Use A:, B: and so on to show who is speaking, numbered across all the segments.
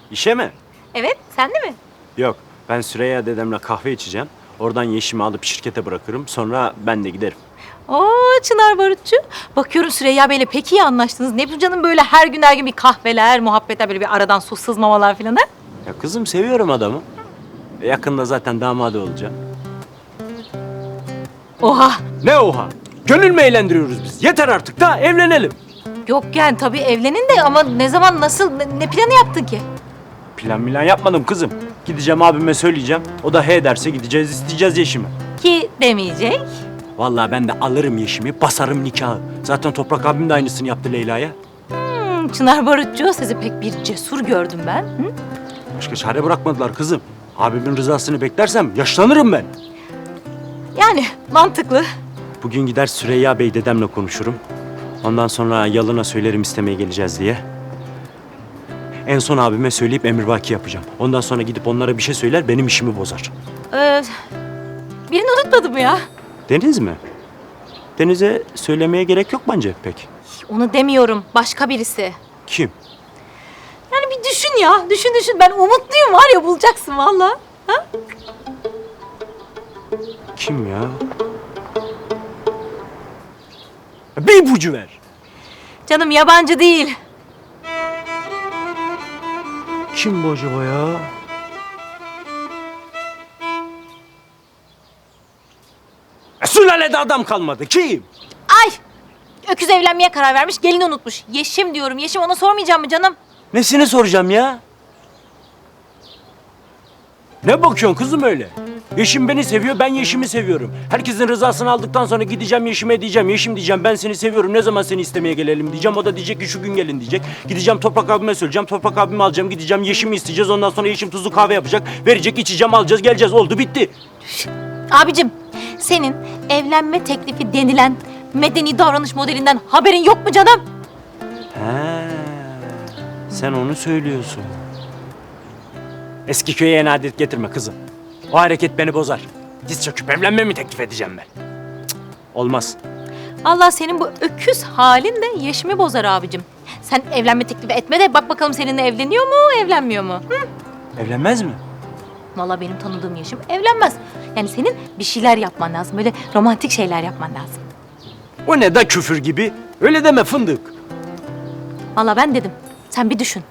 A: İşe mi?
B: Evet, sen de mi?
A: Yok. Ben Süreyya dedemle kahve içeceğim. Oradan Yeşim'i alıp şirkete bırakırım. Sonra ben de giderim.
B: Oo Çınar Barutçu. Bakıyorum Süreyya Bey'le pek iyi anlaştınız. Ne bu canım böyle her gün bir kahveler, muhabbetler, böyle bir aradan su sızmamalar falan ha?
A: Ya kızım seviyorum adamı. Yakında zaten damadı olacağım.
B: Oha!
A: Ne oha? Gönül mü eğlendiriyoruz biz? Yeter artık da evlenelim.
B: Yok yani tabii evlenin de ama ne zaman, nasıl, ne planı yaptın ki?
A: Plan yapmadım kızım. Gideceğim abime söyleyeceğim. O da he derse gideceğiz isteyeceğiz Yeşim'i.
B: Ki demeyecek.
A: Vallahi ben de alırım Yeşim'i, basarım nikahı. Zaten Toprak abim de aynısını yaptı Leyla'ya.
B: Çınar Barutçu, sizi pek bir cesur gördüm ben. Hı?
A: Başka çare bırakmadılar kızım. Abimin rızasını beklersem yaşlanırım ben.
B: Yani mantıklı.
A: Bugün gider Süreyya Bey dedemle konuşurum. Ondan sonra Yalın'a söylerim istemeye geleceğiz diye. En son abime söyleyip emrivaki yapacağım. Ondan sonra gidip onlara bir şey söyler, benim işimi bozar.
B: Birini unutmadım ya.
A: Deniz mi? Deniz'e söylemeye gerek yok bence pek.
B: Onu demiyorum, başka birisi.
A: Kim?
B: Yani bir düşün ya, düşün. Ben umutluyum var ya, bulacaksın vallahi. Ha?
A: Kim ya? Bir ipucu ver.
B: Canım yabancı değil.
A: Kim bu acaba ya? Sülalede adam kalmadı. Kim?
B: Ay! Öküz evlenmeye karar vermiş, gelini unutmuş. Yeşim diyorum, Yeşim, ona sormayacağım mı canım?
A: Nesini soracağım ya? Ne bakıyorsun kızım öyle? Yeşim beni seviyor, ben Yeşim'i seviyorum. Herkesin rızasını aldıktan sonra gideceğim Yeşim'e diyeceğim. Yeşim diyeceğim, ben seni seviyorum. Ne zaman seni istemeye gelelim diyeceğim. O da diyecek ki şu gün gelin diyecek. Gideceğim Toprak abime söyleyeceğim. Toprak abimi alacağım, gideceğim Yeşim'i isteyeceğiz. Ondan sonra Yeşim tuzlu kahve yapacak. Verecek, içeceğim, alacağız, geleceğiz. Oldu, bitti.
B: Abicim, senin evlenme teklifi denilen medeni davranış modelinden haberin yok mu canım?
A: He, sen onu söylüyorsun. Eski köye yeni adet getirme kızım. O hareket beni bozar. Diz çöküp evlenme mi teklif edeceğim ben? Cık, olmaz.
B: Allah senin bu öküz halin de Yeşim'i bozar abicim. Sen evlenme teklifi etme de bak bakalım seninle evleniyor mu, evlenmiyor mu? Hı?
A: Evlenmez mi?
B: Vallahi benim tanıdığım Yeşim evlenmez. Yani senin bir şeyler yapman lazım, böyle romantik şeyler yapman lazım.
A: O ne da küfür gibi? Öyle deme fındık.
B: Vallahi ben dedim, sen bir düşün.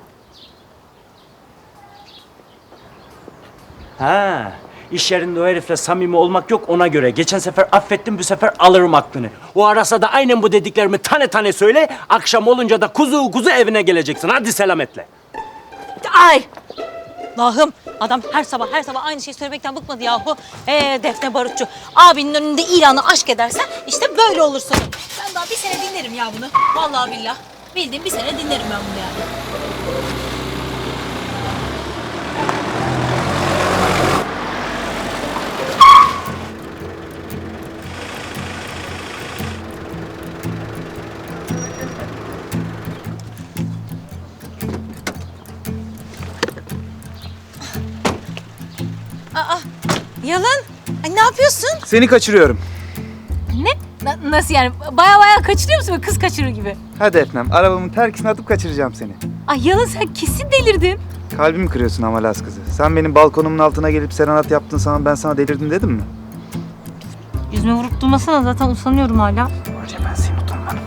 A: Ha, iş yerinde o herifle samimi olmak yok ona göre. Geçen sefer affettim, bu sefer alırım aklını. O arasa da aynen bu dediklerimi tane tane söyle. Akşam olunca da kuzu kuzu evine geleceksin. Hadi selametle.
B: Ay! Allah'ım, adam her sabah aynı şeyi söylemekten bıkmadı yahu. Defne Barutçu, abinin önünde ilanı aşk edersen işte böyle olur sonu. Ben daha bir sene dinlerim ya bunu. Vallahi billah. Bildiğim bir sene dinlerim ben bunu yani. Yalan. Ay ne yapıyorsun?
C: Seni kaçırıyorum.
B: Ne? Nasıl yani? Baya kaçırıyor musun? Böyle kız kaçırır gibi.
C: Hadi Efnem, arabamın terkisine atıp kaçıracağım seni.
B: Ay Yalan, sen kesin delirdin.
C: Kalbimi kırıyorsun ama Laz kızı. Sen benim balkonumun altına gelip serenat yaptığın zaman ben sana delirdim dedim mi?
B: Yüzüme vurup durmasana, zaten usanıyorum hala.
C: Var ya, ben seni utanmam.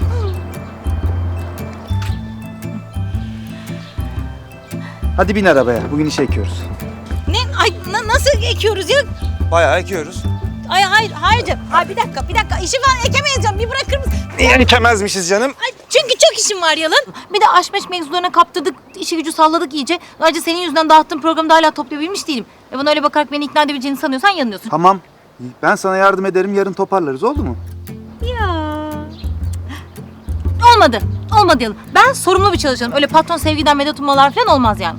C: Hadi bin arabaya, bugün işe ekiyoruz.
B: Ne? Ay nasıl ekiyoruz ya?
C: Bayağı ekiyoruz.
B: Ay hayır canım. Ay bir dakika. İşi falan ekemeyeceğim. Bir bırakır mısın?
C: Niye ekemezmişiz canım?
B: Ay çünkü çok işim var Yalan. Bir de aşmeş mevzularına kaptırdık. İşi gücü salladık iyice. Ayrıca senin yüzünden dağıttığım programda hala toplayabilmiş değilim. Bana öyle bakarak beni ikna edebileceğini sanıyorsan yanılıyorsun.
C: Tamam, ben sana yardım ederim, yarın toparlarız, oldu mu?
B: Ya. Olmadı Yalan. Ben sorumlu bir çalışanım. Öyle patron sevgiden medet ummalar falan olmaz yani.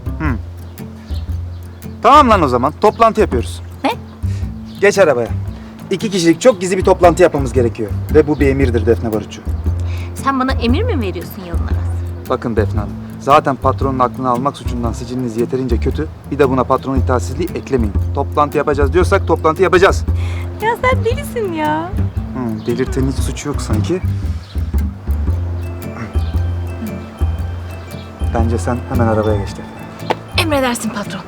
C: Tamam lan o zaman, toplantı yapıyoruz.
B: Ne?
C: Geç arabaya. 2 kişilik çok gizli bir toplantı yapmamız gerekiyor. Ve bu bir emirdir Defne Barutçu.
B: Sen bana emir mi veriyorsun Yalan Aras?
C: Bakın Defne Hanım, zaten patronun aklını almak suçundan siciliniz yeterince kötü. Bir de buna patronun itaatsizliği eklemeyin. Toplantı yapacağız diyorsak toplantı yapacağız.
B: Ya sen delisin ya.
C: Delirtenin hiç suçu yok sanki. Bence sen hemen arabaya geç Defne.
D: Emredersin patron.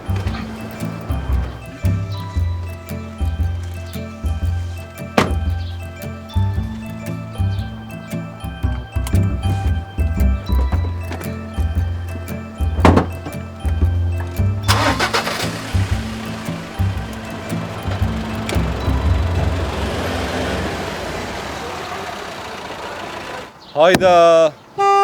E: Hayda.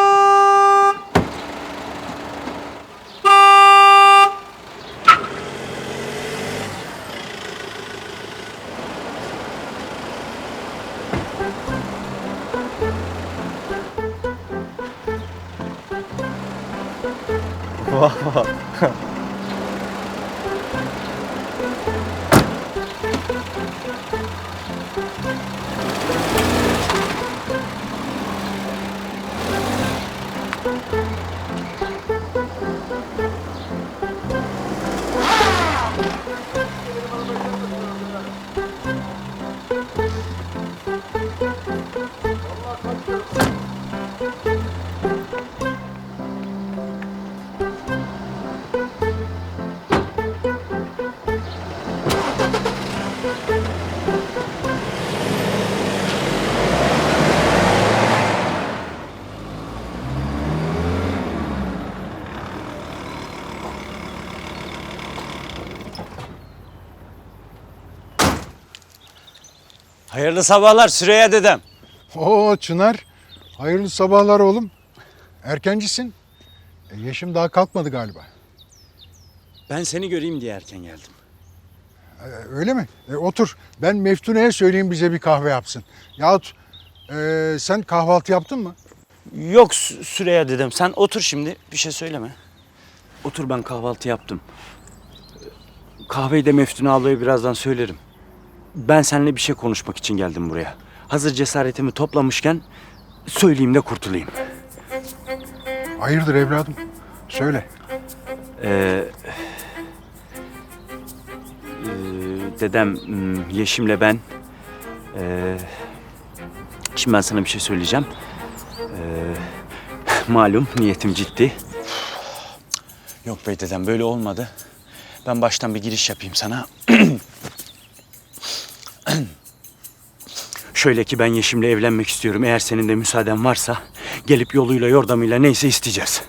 A: Hayırlı sabahlar Süreyya dedem.
F: Oo Çınar, hayırlı sabahlar oğlum. Erkencisin. Yeşim daha kalkmadı galiba.
A: Ben seni göreyim diye erken geldim.
F: Öyle mi? Otur. Ben Meftune'ye söyleyeyim bize bir kahve yapsın. Yahut sen kahvaltı yaptın mı?
A: Yok Süreyya dedem, sen otur şimdi, bir şey söyleme. Otur, ben kahvaltı yaptım. Kahveyi de Meftune ablaya birazdan söylerim. Ben seninle bir şey konuşmak için geldim buraya. Hazır cesaretimi toplamışken söyleyeyim de kurtulayım.
F: Hayırdır evladım? Söyle.
A: Dedem, Yeşim'le ben... şimdi ben sana bir şey söyleyeceğim. Malum niyetim ciddi. Yok bey dedem, böyle olmadı. Ben baştan bir giriş yapayım sana. Şöyle ki ben Yeşim'le evlenmek istiyorum. Eğer senin de müsaaden varsa gelip yoluyla yordamıyla neyse isteyeceğiz.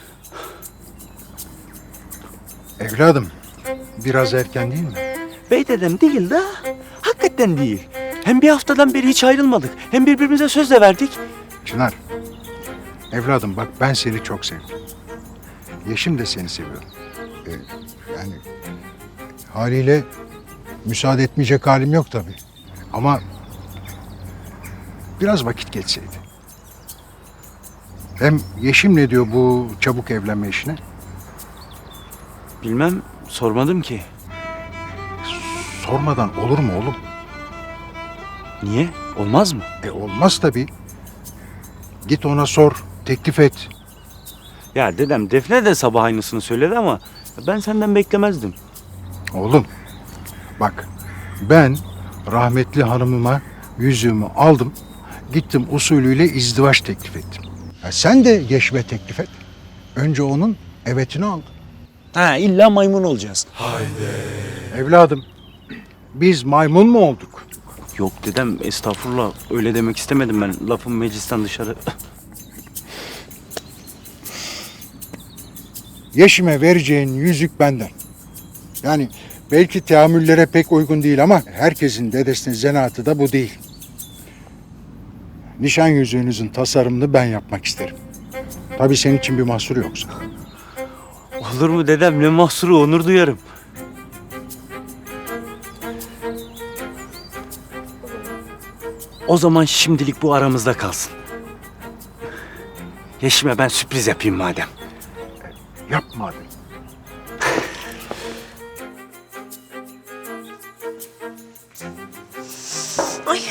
F: Evladım, biraz erken değil mi?
A: Bey dedem değil de hakikaten değil. Hem bir haftadan beri hiç ayrılmadık. Hem birbirimize söz de verdik.
F: Çınar, evladım bak ben seni çok sevdim. Yeşim de seni seviyor. Yani haliyle müsaade etmeyecek halim yok tabii. Ama biraz vakit geçseydi. Hem Yeşim ne diyor bu çabuk evlenme işine?
A: Bilmem, sormadım ki.
F: Sormadan olur mu oğlum?
A: Niye? Olmaz mı?
F: Olmaz tabii. Git ona sor, teklif et.
A: Ya dedem, Defne de sabah aynısını söyledi ama ben senden beklemezdim.
F: Oğlum, bak ben rahmetli hanımıma yüzüğümü aldım. Gittim usulüyle izdivaç teklif ettim. Sen de Yeşim'e teklif et. Önce onun evetini al.
A: Ha, illa maymun olacağız.
F: Evladım, biz maymun mu olduk?
A: Yok dedem, estağfurullah, öyle demek istemedim ben. Lafım meclisten dışarı.
F: Yeşim'e vereceğin yüzük benden. Yani belki teamüllere pek uygun değil ama herkesin dedesinin zanaatı da bu değil. Nişan yüzüğünüzün tasarımını ben yapmak isterim. Tabii senin için bir mahsur yoksa.
A: Olur mu dedem, ne mahsuru, onur duyarım. O zaman şimdilik bu aramızda kalsın. Yeşim'e ben sürpriz yapayım madem.
F: Yapma abi.
B: Ay.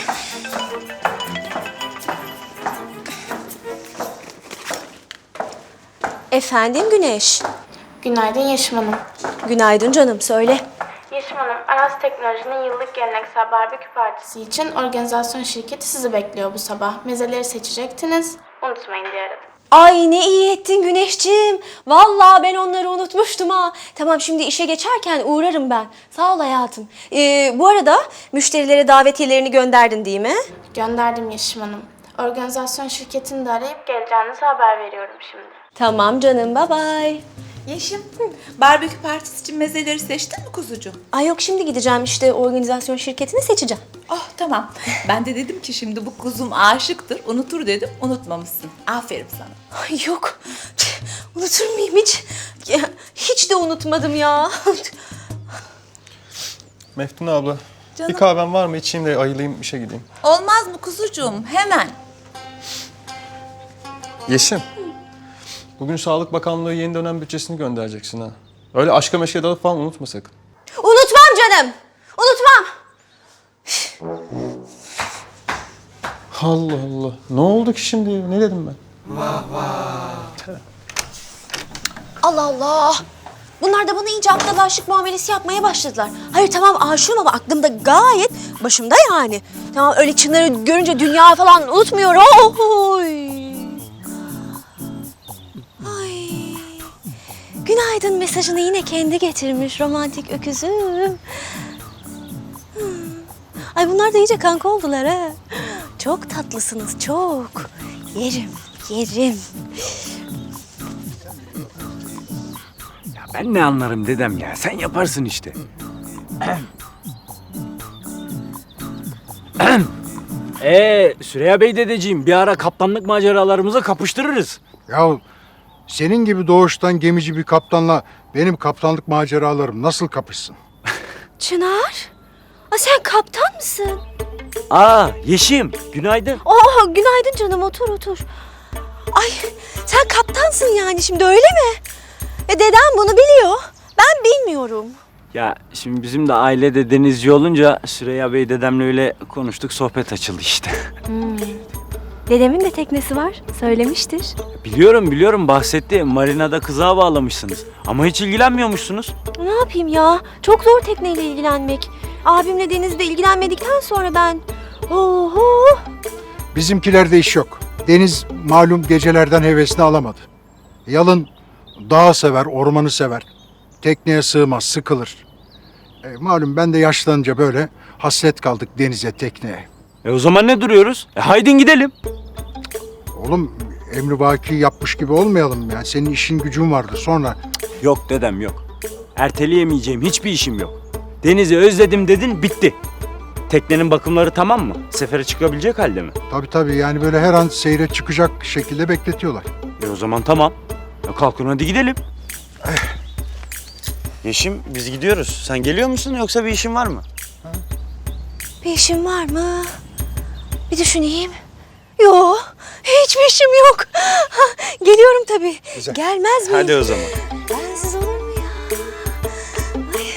G: Efendim Güneş.
H: Günaydın Yeşim Hanım.
G: Günaydın canım, söyle.
H: Yeşim Hanım, Aras Teknoloji'nin yıllık geleneksel barbekü partisi için organizasyon şirketi sizi bekliyor bu sabah. Mezeleri seçecektiniz. Unutmayın diye aradım.
G: Ay ne iyi ettin Güneşciğim. Vallahi ben onları unutmuştum ha. Tamam şimdi işe geçerken uğrarım ben. Sağ ol hayatım. Bu arada müşterilere davetiyelerini gönderdin değil mi?
H: Gönderdim Yeşim Hanım. Organizasyon şirketini de arayıp geleceğinizi haber veriyorum şimdi.
G: Tamam canım, bye bye.
D: Yeşim, barbekü partisi için mezeleri seçtin mi kuzucuğum?
G: Ay yok şimdi gideceğim işte organizasyon şirketini seçeceğim.
D: Oh tamam. Ben de dedim ki şimdi bu kuzum aşıktır, unutur dedim. Unutmamışsın. Aferin sana.
G: Ay yok. Unutur muyum hiç? Ya, hiç de unutmadım ya.
E: Meftun abla,
D: Canım.
E: bir kahven var mı? İçeyim de ayılayım, işe gideyim.
D: Olmaz mı kuzucuğum? Hemen.
E: Yeşim, bugün Sağlık Bakanlığı yeni dönem bütçesini göndereceksin ha. Öyle aşka meşke dalıp falan unutma sakın.
G: Unutmam canım. Unutmam.
E: Allah Allah. Ne oldu ki şimdi? Ne dedim ben?
G: Allah Allah. Bunlar da bana iyice aptal aşık muamelesi yapmaya başladılar. Hayır tamam aşığım ama aklımda gayet başımda yani. Tamam öyle Çınar'ı görünce dünya falan unutmuyorum. Oy. Ay. Günaydın mesajını yine kendi getirmiş romantik öküzüm. Ay bunlar da iyice kanka oldular ha. Çok tatlısınız çok. Yerim, yerim.
A: Ben ne anlarım dedem ya. Sen yaparsın işte. Süreyya Bey dedeciğim bir ara kaptanlık maceralarımızı kapıştırırız.
F: Ya senin gibi doğuştan gemici bir kaptanla benim kaptanlık maceralarım nasıl kapışsın?
G: Çınar, sen kaptan mısın?
A: Yeşim günaydın.
G: Oh, günaydın canım, otur otur. Ay, sen kaptansın yani şimdi öyle mi? Dedem bunu biliyor, ben bilmiyorum.
A: Ya şimdi bizim de ailede denizci olunca Süreyya Bey dedemle öyle konuştuk, sohbet açıldı işte.
G: Dedemin de teknesi var, söylemiştir.
A: Biliyorum bahsetti. Marina'da kızağa bağlamışsınız. Ama hiç ilgilenmiyormuşsunuz.
G: Ne yapayım ya, çok zor tekneyle ilgilenmek. Abimle denizde ilgilenmedikten sonra ben... Oho!
F: Bizimkilerde iş yok. Deniz malum gecelerden hevesini alamadı. Yalın dağı sever, ormanı sever. Tekneye sığmaz, sıkılır. Malum ben de yaşlanınca böyle hasret kaldık denize, tekneye.
A: O zaman ne duruyoruz? Haydin gidelim.
F: Oğlum emrivaki yapmış gibi olmayalım yani. Senin işin gücün vardı sonra.
A: Yok dedem yok. Erteleyemeyeceğim hiçbir işim yok. Denizi özledim dedin, bitti. Teknenin bakımları tamam mı? Sefere çıkabilecek halde mi?
F: Tabii yani böyle her an seyre çıkacak şekilde bekletiyorlar.
A: O zaman tamam. Kalkın hadi gidelim. Yeşim biz gidiyoruz. Sen geliyor musun yoksa bir işin var mı?
G: Bir işim var mı? Bir düşüneyim. Yok, hiçbir işim yok. Geliyorum tabii.
F: Güzel.
G: Gelmez miyim?
A: Hadi o zaman.
G: Bensiz olur mu ya? Ay.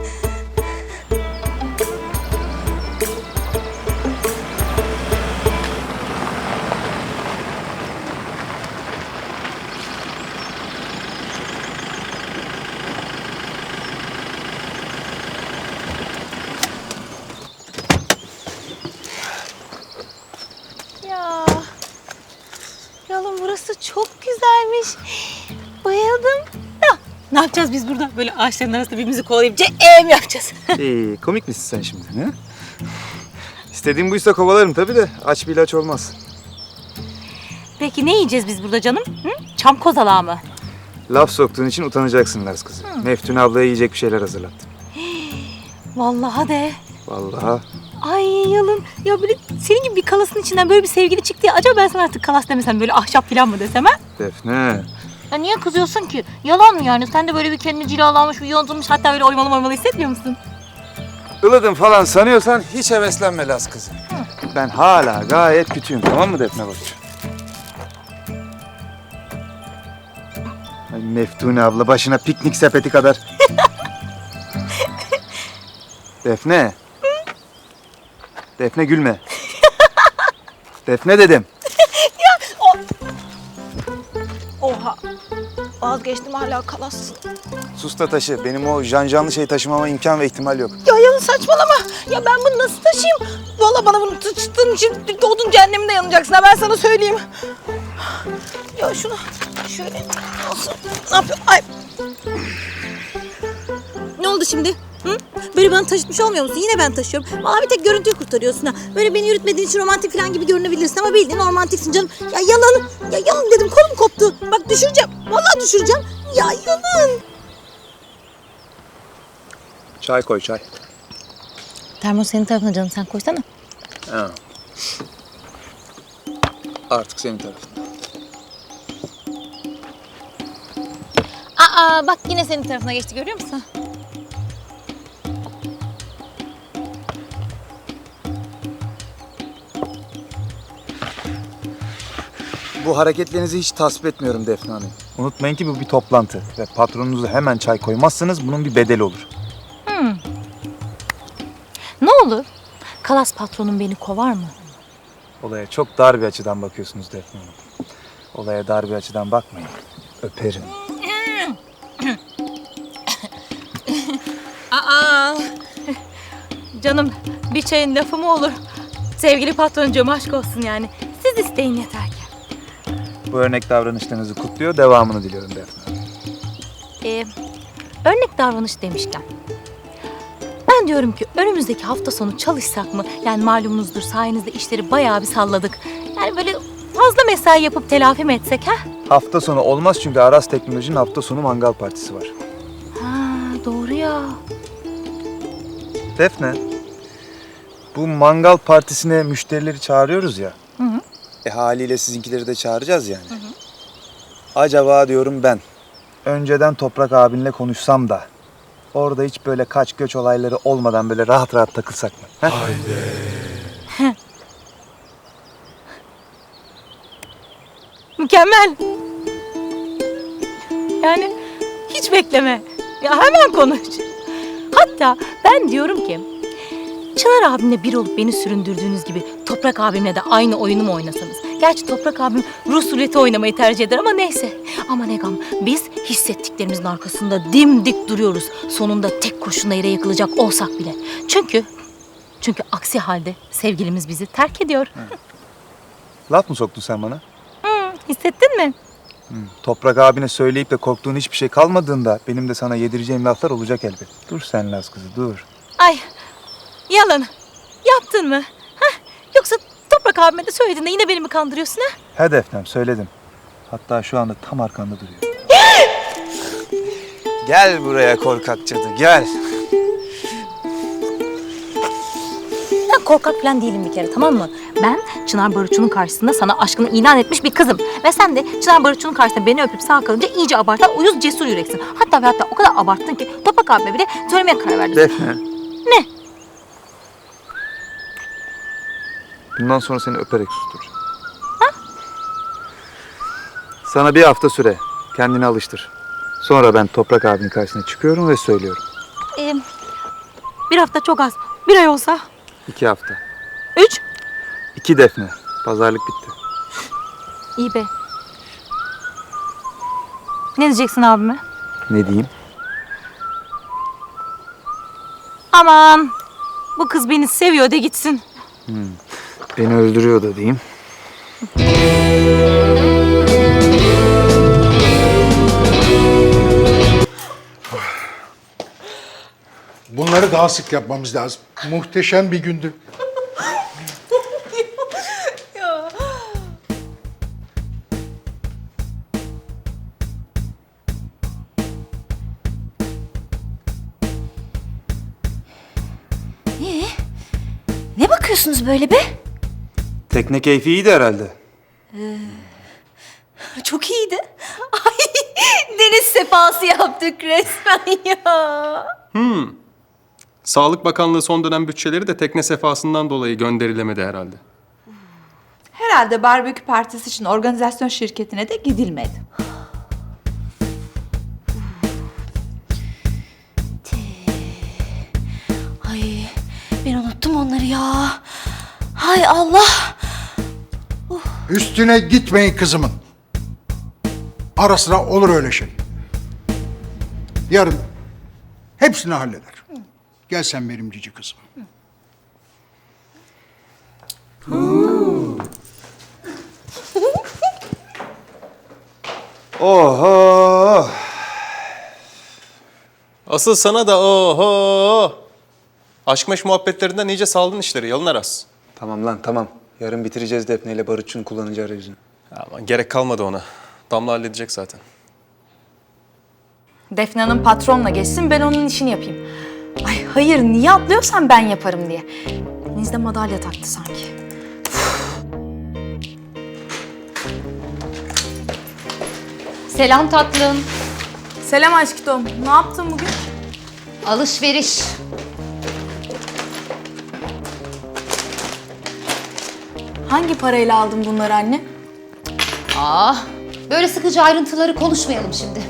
B: Ya. Yalım burası çok güzelmiş. Bayıldım. Ya, ne yapacağız biz burada? Böyle ağaçların arasında birbirimizi kovalayıp mi yapacağız?
C: Komik misin sen şimdi? He? İstediğin buysa kovalarım tabii de aç bir ilaç olmaz.
B: Peki ne yiyeceğiz biz burada canım? Hı? Çam kozalağı mı?
C: Laf soktuğun için utanacaksın Lars kızım. Meftun ablaya yiyecek bir şeyler hazırlattım.
B: Vallahi de.
C: Vallahi.
B: Ay yalın. Ya böyle senin gibi bir kalasın içinden böyle bir sevgili çıktı ya. Acaba ben sana artık kalas demesem böyle ahşap falan mı desem ha?
C: Defne.
B: Ya niye kızıyorsun ki? Yalan mı yani? Sen de böyle bir kendini cilalanmış, bir yontulmuş hatta böyle oymalı hissetmiyor musun?
C: Ilıdım falan sanıyorsan hiç heveslenme Lars kızım. Ben hala gayet kötüyüm, tamam mı Defne Bakıcı? Ay Meftune abla başına piknik sepeti kadar. Defne. Defne gülme. Defne dedim.
D: Oha. Vazgeçtim hala kalassın.
C: Sus da taşı. Benim o janjanlı şey taşımama imkan ve ihtimal yok.
D: Ya Yalın saçmalama. Ya ben bunu nasıl taşıyayım? Vallahi bana bunu tuttuğun için doğdun cehenneminde yanacaksın ha ben sana söyleyeyim.
B: Ya şunu şöyle olsun. Ne yapıyor? Ay. Ne oldu şimdi? Hı? Böyle bana taşıtmış olmuyor musun? Yine ben taşıyorum. Vallahi bir tek görüntüyü kurtarıyorsun ha. Böyle beni yürütmediğin için romantik falan gibi görünebilirsin ama bildiğin romantiksin canım. Ya yalan. Ya yalan dedim, kolum koptu. Bak düşüreceğim. Vallahi düşüreceğim. Ya yalan.
C: Çay koy çay.
B: Termos senin tarafına canım, sen koysana.
C: Ha. Artık senin tarafın.
B: Aa bak yine senin tarafına geçti, görüyor musun?
C: Bu hareketlerinizi hiç tasvip etmiyorum Defne Hanım. Unutmayın ki bu bir toplantı ve patronunuza hemen çay koymazsanız bunun bir bedeli olur.
B: Ne olur? Kalas patronum beni kovar mı?
C: Olaya çok dar bir açıdan bakıyorsunuz Defne Hanım. Olaya dar bir açıdan bakmayın. Öperim.
B: Aa, canım bir çayın lafı mı olur? Sevgili patroncuğum, aşk olsun yani. Siz isteyin yeter ki.
C: Bu örnek davranışlarınızı kutluyor, devamını diliyorum Defne Hanım.
B: Örnek davranış demişken. Ben diyorum ki önümüzdeki hafta sonu çalışsak mı? Yani malumunuzdur, sayenizde işleri bayağı bir salladık. Yani böyle fazla mesai yapıp telafi mi etsek ha?
C: Hafta sonu olmaz çünkü Aras Teknoloji'nin hafta sonu mangal partisi var.
B: Ha doğru ya.
C: Defne, bu mangal partisine müşterileri çağırıyoruz ya.
B: Hı hı.
C: Haliyle sizinkileri de çağıracağız yani. Hı hı. Acaba diyorum ben, önceden Toprak abinle konuşsam da orada hiç böyle kaç göç olayları olmadan böyle rahat rahat takılsak mı? He?
B: Mükemmel. Yani hiç bekleme. Ya hemen konuş. Hatta ben diyorum ki Çınar abimle bir olup beni süründürdüğünüz gibi Toprak abimle de aynı oyunu mu oynasanız? Gerçi Toprak abim Rus ruleti oynamayı tercih eder ama neyse. Ama ne gam, biz hissettiklerimizin arkasında dimdik duruyoruz. Sonunda tek kurşunla yere yakılacak olsak bile. Çünkü aksi halde sevgilimiz bizi terk ediyor.
C: Laf mı soktun sen bana?
B: Hissettin mi?
C: Toprak abine söyleyip de korktuğun hiçbir şey kalmadığında benim de sana yedireceğim laflar olacak elbet. Dur sen Laz kızı dur.
B: Ay yalan. Yaptın mı? Hah? Yoksa Toprak abime de söylediğinde yine beni mi kandırıyorsun ha?
C: He Defnem söyledim. Hatta şu anda tam arkanda duruyor. Gel buraya korkak cadı gel.
B: Ben korkak falan değilim bir kere, tamam mı? Ben Çınar Barutçu'nun karşısında sana aşkını ilan etmiş bir kızım. Ve sen de Çınar Barutçu'nun karşısında beni öpüp sağ kalınca iyice abartan uyuz cesur yüreksin. Hatta ve hatta o kadar abarttın ki Toprak abime bile söylemeye karar verdin.
C: Defne.
B: Ne?
C: Bundan sonra seni öperek susturacağım. Ha? Sana bir hafta süre. Kendini alıştır. Sonra ben Toprak abinin karşısına çıkıyorum ve söylüyorum.
B: Bir hafta çok az. Bir ay olsa.
C: 2 hafta.
B: 3.
C: 2 Defne. Pazarlık bitti.
B: İyi be. Ne diyeceksin abime?
C: Ne diyeyim?
B: Aman bu kız beni seviyor de gitsin.
C: Beni öldürüyor da diyeyim.
F: Bunları daha sık yapmamız lazım. Muhteşem bir gündü.
G: Ne bakıyorsunuz böyle be?
C: Tekne keyfi iyiydi herhalde.
G: Çok iyiydi. Ay deniz sefası yaptık resmen ya.
E: Sağlık Bakanlığı son dönem bütçeleri de tekne sefasından dolayı gönderilemedi herhalde.
D: Herhalde barbekü partisi için organizasyon şirketine de gidilmedi.
G: Ay ben unuttum onları ya. Hay Allah.
F: Üstüne gitmeyin kızımın. Ara sıra olur öyle şey. Yarın hepsini halleder. Gel sen benim cici kızım.
C: Oho!
E: Asıl sana da oho. Aşk meş muhabbetlerinden iyice saldın işleri Yalın Aras.
C: Tamam lan tamam. Yarın bitireceğiz Defne ile Barutçu'nun kullanıcı arayüzünü.
E: Ama gerek kalmadı ona. Damla halledecek zaten.
I: Defne Hanım patronla geçsin, ben onun işini yapayım. Ay hayır, niye atlıyorsan ben yaparım diye. Deniz de madalya taktı sanki.
B: Selam tatlım.
I: Selam aşkım. Ne yaptın bugün?
B: Alışveriş.
I: Hangi parayla aldın bunları anne?
B: Böyle sıkıcı ayrıntıları konuşmayalım şimdi.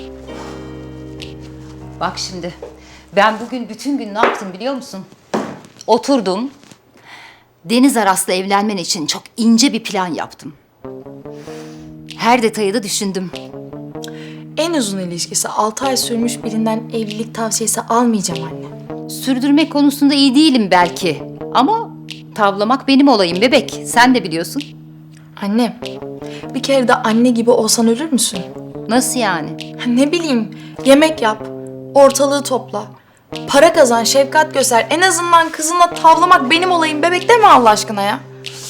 B: Bak şimdi, ben bugün bütün gün ne yaptım biliyor musun? Oturdum, Deniz Aras'la evlenmen için çok ince bir plan yaptım. Her detayı da düşündüm.
I: En uzun ilişkisi 6 ay sürmüş birinden evlilik tavsiyesi almayacağım anne.
B: Sürdürmek konusunda iyi değilim belki. Ama tavlamak benim olayım bebek, sen de biliyorsun.
I: Anne, bir kere de anne gibi olsan ölür müsün?
B: Nasıl yani?
I: Ne bileyim, yemek yap, ortalığı topla. Para kazan, şefkat göster. En azından kızınla tavlamak benim olayım bebek deme Allah aşkına ya.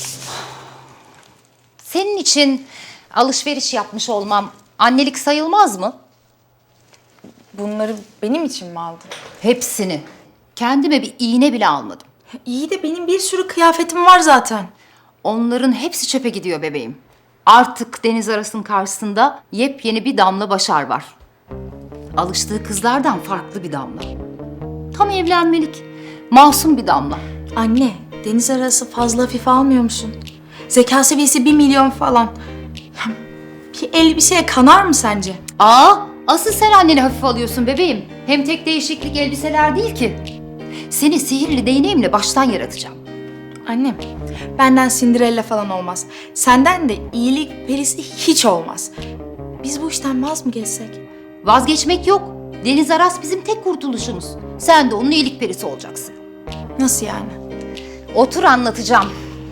B: Senin için alışveriş yapmış olmam annelik sayılmaz mı?
I: Bunları benim için mi aldın?
B: Hepsini. Kendime bir iğne bile almadım.
I: İyi de benim bir sürü kıyafetim var zaten.
B: Onların hepsi çöpe gidiyor bebeğim. Artık Deniz Aras'ın karşısında yepyeni bir Damla Başar var. Alıştığı kızlardan farklı bir Damla. Tam evlenmelik, masum bir Damla.
I: Anne, deniz arası fazla hafife almıyor musun? Zeka seviyesi 1 milyon falan. Bir elbiseye kanar mı sence?
B: Asıl sen anneni hafife alıyorsun bebeğim. Hem tek değişiklik elbiseler değil ki. Seni sihirli değneğimle baştan yaratacağım.
I: Annem, benden Cinderella falan olmaz. Senden de iyilik perisi hiç olmaz. Biz bu işten vaz mı geçsek?
B: Vazgeçmek yok. Deniz Aras bizim tek kurtuluşumuz. Sen de onun iyilik perisi olacaksın.
I: Nasıl yani?
B: Otur anlatacağım.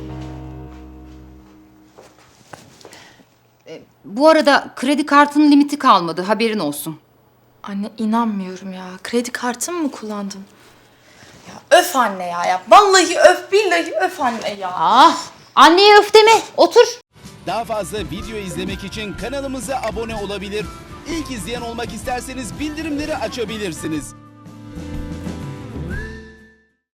B: Bu arada kredi kartının limiti kalmadı, haberin olsun.
I: Anne inanmıyorum ya. Kredi kartımı mı kullandın? Ya öf anne ya. Vallahi öf, billahi öf anne ya.
B: Anneye öf deme, otur.
J: Daha fazla video izlemek için kanalımıza abone olabilir. İlk izleyen olmak isterseniz bildirimleri açabilirsiniz.